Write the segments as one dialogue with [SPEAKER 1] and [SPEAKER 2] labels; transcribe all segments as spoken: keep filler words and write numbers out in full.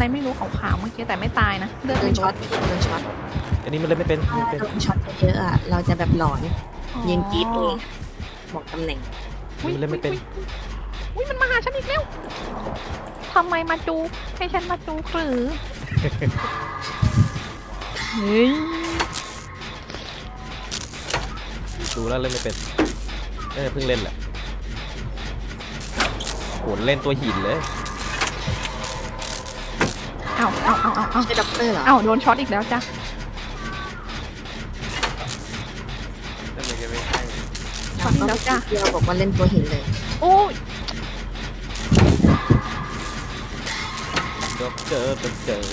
[SPEAKER 1] ไม่รู้ขาวๆเมื่อกี้แต่ไม่ตายนะเลือด
[SPEAKER 2] โด
[SPEAKER 1] ไม่
[SPEAKER 2] น
[SPEAKER 1] ล
[SPEAKER 2] ช็อ
[SPEAKER 1] ด
[SPEAKER 2] ตโดนช็อต
[SPEAKER 3] อันนี้มันเล่นไม่เป็น
[SPEAKER 2] ถ้า
[SPEAKER 3] ไม่เป็น
[SPEAKER 2] โดนช็อตเยอะๆอ่ะเราจะแบบหลอนยืนกรีดเองบอกตำแหน่ง
[SPEAKER 3] อันนี้มันเล่นไม่เป็น
[SPEAKER 1] อุ้ยมันมาหาฉันอีกแล้วทำไมมาจูให้ฉันมาจูหรือเฮ้ย
[SPEAKER 3] ดูแล้วเล่นไม่เป็นเออเพิ่งเล่นแหละโหเล่นตัวหินเลย
[SPEAKER 1] เอาเอาเอาเอาเอา
[SPEAKER 2] ใช่ด็อกเตอร์เหรอ
[SPEAKER 1] เอาโดนช็อตอีกแล้วจ้ะ
[SPEAKER 4] นั่นเลยก็ไม่ใช่
[SPEAKER 1] ช็อตอีกแล้วจ้ะ
[SPEAKER 2] เราบอกว่าเล่นตัวหินเลย
[SPEAKER 1] โอ้ย
[SPEAKER 3] เจอเจอเจอ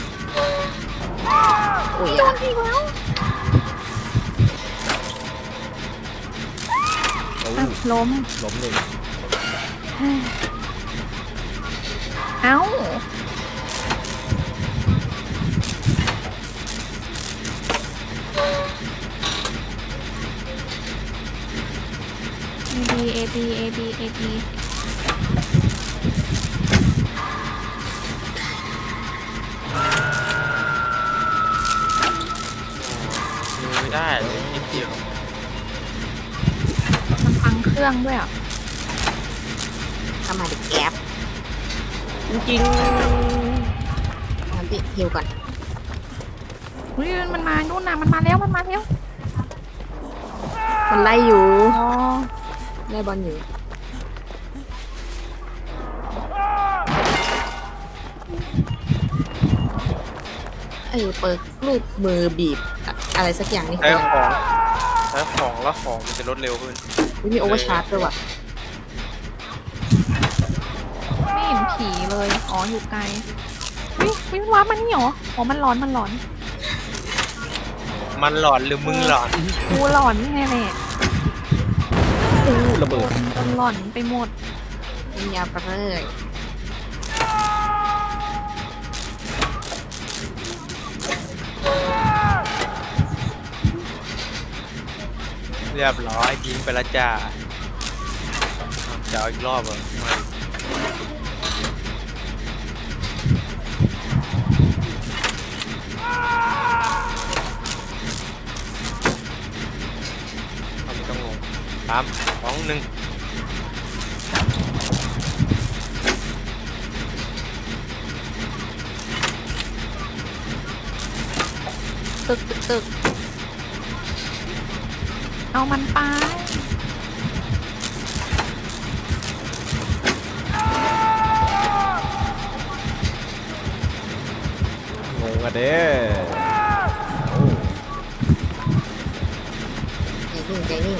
[SPEAKER 2] โอ้ย
[SPEAKER 1] โดนอีกแล้ว
[SPEAKER 3] โอ้
[SPEAKER 1] อ่ะล้ม
[SPEAKER 3] ล้มหนึ่ง
[SPEAKER 1] เอ้าเอบีเอบีเอบีเอบี
[SPEAKER 4] ดูไม่ได้เลยนิดเดียว
[SPEAKER 1] มันพังเครื่องด้วยอ่ะ
[SPEAKER 2] ทำมาดิแก๊ป
[SPEAKER 3] จริง
[SPEAKER 2] ทำพี่ฮิวก่อน
[SPEAKER 1] อุ้ยมันมานู่นน่ะมันมาแล้วมันมาแล้ว
[SPEAKER 2] มันไล่อยู่
[SPEAKER 1] อ๋อ
[SPEAKER 2] ไล่บอลอยู่ไอ้เปิดรูปมือบีบอะอะไรสักอย่างนี่
[SPEAKER 4] ใช้
[SPEAKER 2] คือ
[SPEAKER 4] ของใช้ของแล้วของมันจะลดเร็วขึ้น
[SPEAKER 2] อุ๊ยมีโอเวอร์ชาร์จด้วยว่ะ
[SPEAKER 1] ไม่เห็นผีเลยอ๋ออยู่ไกลวิวิว้ามันนี่เหรออ๋อมันร้อนมันร้อน
[SPEAKER 4] มันหลอนหรือมึงหลอน
[SPEAKER 1] กูหลอนไงแหละ
[SPEAKER 3] ๆอู้ระเบิด
[SPEAKER 1] จนหลอนไปหมด
[SPEAKER 2] เป็นยาวไปเลย
[SPEAKER 4] เรียบร้อยทิ้งไปแล้วจ้าจะเอาอีกรอบเหรอไม่เอาไม่ต้องลงสามสองหนึ่ง
[SPEAKER 1] ตึกตึกตึกเอามันไป
[SPEAKER 3] งงอะเด้
[SPEAKER 2] ใจนิ่งใจนิ่ง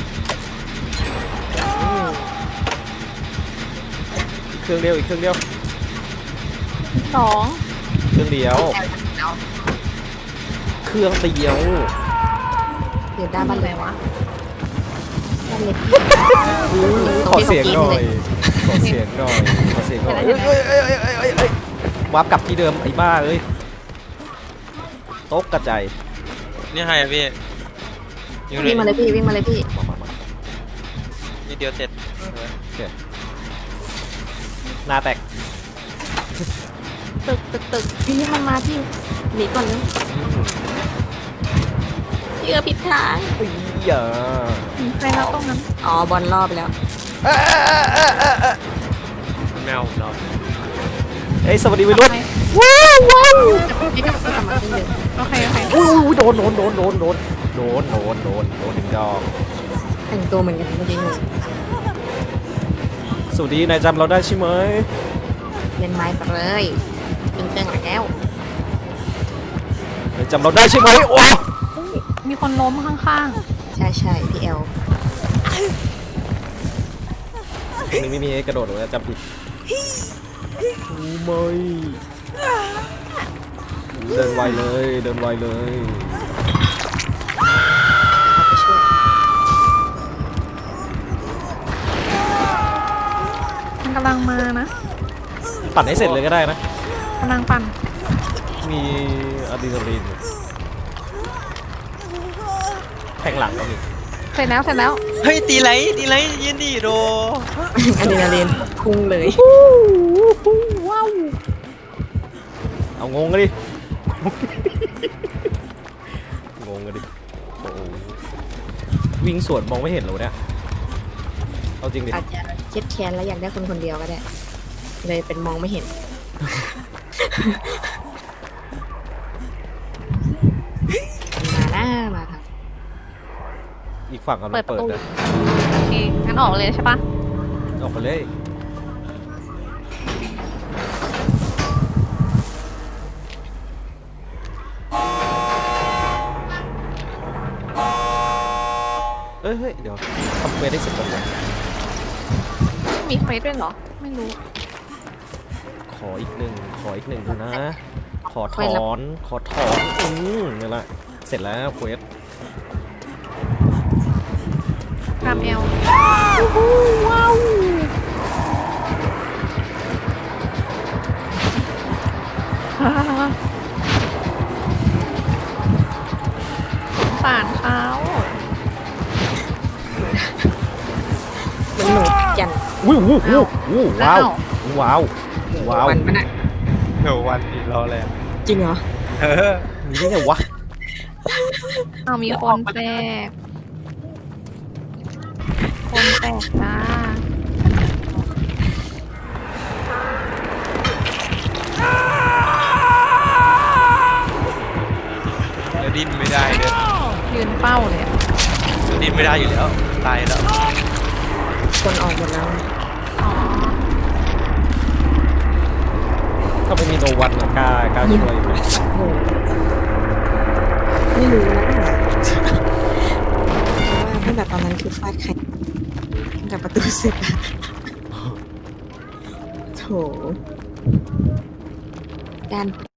[SPEAKER 3] เครื่องเดียวอีกเครื่องเดียว
[SPEAKER 1] สอง
[SPEAKER 3] เครื่องเดียว
[SPEAKER 2] แอลเอา
[SPEAKER 3] เครื่องเดียว
[SPEAKER 2] เดี๋ยวด้านบ้าน
[SPEAKER 1] ไห
[SPEAKER 2] เล
[SPEAKER 1] น
[SPEAKER 2] ยว
[SPEAKER 1] ะ
[SPEAKER 2] บ้านเล็ก
[SPEAKER 3] ขอเสียงหน่อยขอเสียงหน่อยขอเสียงหน่อยเอ้ยเอ้ยเอ้ยเอ้ยเอ้ยเอ้ยเอ้ยวาร์ปกลับที่เดิมไอ้บ้าเอ้ยตกกระจาย
[SPEAKER 4] นี่ให้อะพี่ยิงเล
[SPEAKER 2] วิ่
[SPEAKER 4] ย
[SPEAKER 2] งมาเลยพี่วิ่งมาเลยพี่
[SPEAKER 3] มามามา
[SPEAKER 4] นี่เดียวเสร็จ
[SPEAKER 3] หน้าแตก
[SPEAKER 1] ตึกตึกตึก
[SPEAKER 2] พี่มันมาพี่หนีก่อนเลยเชื่อผิดทาง
[SPEAKER 3] อุ้ยอย่า
[SPEAKER 1] ถึงใครแล้วตรงนั้น
[SPEAKER 2] อ๋อบอลรอบไปแล้ว
[SPEAKER 3] เอ้ยเอ้ยเอ้ยเอ้ยเอ้ย
[SPEAKER 4] มันแมวผมเรา
[SPEAKER 3] เอ้ยสวัสดีวัยรุ่น
[SPEAKER 1] ไป
[SPEAKER 3] ว้าวว้าว
[SPEAKER 2] พี่กลับก็กลับมาขึ้นเดิม
[SPEAKER 1] โอเคโอเค
[SPEAKER 3] อุ้ยอุ้ยโดนโดนโดนโดนโดนโดนโดนโดนโดนถึงดอก
[SPEAKER 2] แต่งตัวเหมือนกันเมื่อกี้หนู
[SPEAKER 3] สวัสดีนายจำเราได้ใช่ไหม
[SPEAKER 2] เล่นไม้ไปเลยขึ้นเครื่องหลังแล้ว
[SPEAKER 3] นายจำเราได้ใช่ไหมโอ้
[SPEAKER 1] มีคนล้มข้าง
[SPEAKER 2] ใช่ใช่พี่แอล
[SPEAKER 3] นี่ไม่มีให้กระโดดหรอกนะจำผิดโอ้ไม่เดินไวเลยเดินไวเลย
[SPEAKER 2] เข้าไปช่วย
[SPEAKER 1] ๆมันกำลังมานะ
[SPEAKER 3] ปั่นให้เสร็จเลยก็ได้นะ
[SPEAKER 1] กำลังปั่น
[SPEAKER 3] มีอะดรีนาลีนแทงหลังก็มี
[SPEAKER 1] เสร็จแล้วเสร็จแล้ว
[SPEAKER 4] เฮ้ยตีไรตีไรยินดีโด
[SPEAKER 2] อะดรีนาลีนพุ่งเลย
[SPEAKER 1] ว้าว
[SPEAKER 3] เอางงกันดิ งงกันดิโอ้โหวิ่งสวนมองไม่เห็นเหรอเนี่ยเอาจริงดิ
[SPEAKER 2] อาจจะเครียดแค้นแล้วอยากได้คนคนเดียวก็ได้ เลยเป็นมองไม่เห็น มาหน้ามาครับ
[SPEAKER 3] อีกฝั่งกำลัง
[SPEAKER 1] เปิดป
[SPEAKER 3] เปิ
[SPEAKER 1] ระ
[SPEAKER 3] ด
[SPEAKER 1] ตู
[SPEAKER 3] นะ
[SPEAKER 1] โอเคงั้นออกเลยใช่ปะ
[SPEAKER 3] ออกไปเลยเอ้ยเฮ้ยเดี๋ยวทำเวทได้เสร็จก่อนวะ
[SPEAKER 1] มีเฟซด้วยเหรอ ไม่รู้
[SPEAKER 3] ขออีกหนึ่งขออีกหนึ่งดูนะ ขอถอนขอถอนอืมนี่แหละเสร็จแล้วเควส
[SPEAKER 1] กรามเอลว้าวสงสารเขา
[SPEAKER 2] มันหนูจัน
[SPEAKER 3] อุ้ยอู้อู้อู้ว้าวว้าวว้าว
[SPEAKER 2] วันมันอะ
[SPEAKER 4] เดี๋ยววันนี้รอแล้ว
[SPEAKER 2] จริงเหรอ
[SPEAKER 4] เออ
[SPEAKER 3] มีได้ไงวะ
[SPEAKER 1] เอามีคนแตก คนแตกจ้า
[SPEAKER 4] เดี๋ยวดิ้นไม่ได้เดี๋ยว
[SPEAKER 1] ยืนเฝ้าเลยอะ
[SPEAKER 4] เดี๋ยวดิ้นไม่ได้อยู่แล้วตายแล้ว
[SPEAKER 2] คนออกหมดแล้ว
[SPEAKER 1] อ๋อ
[SPEAKER 3] ถ้าไม่มีโนวันอะกล้ากล้าช่วยอยู่ไหม
[SPEAKER 2] โอ้โหไม่รู้นะว่าตั้งแต่ตอนนั้นคือฟาดใครตั้งแต่ประตูเสร็จอะโถการ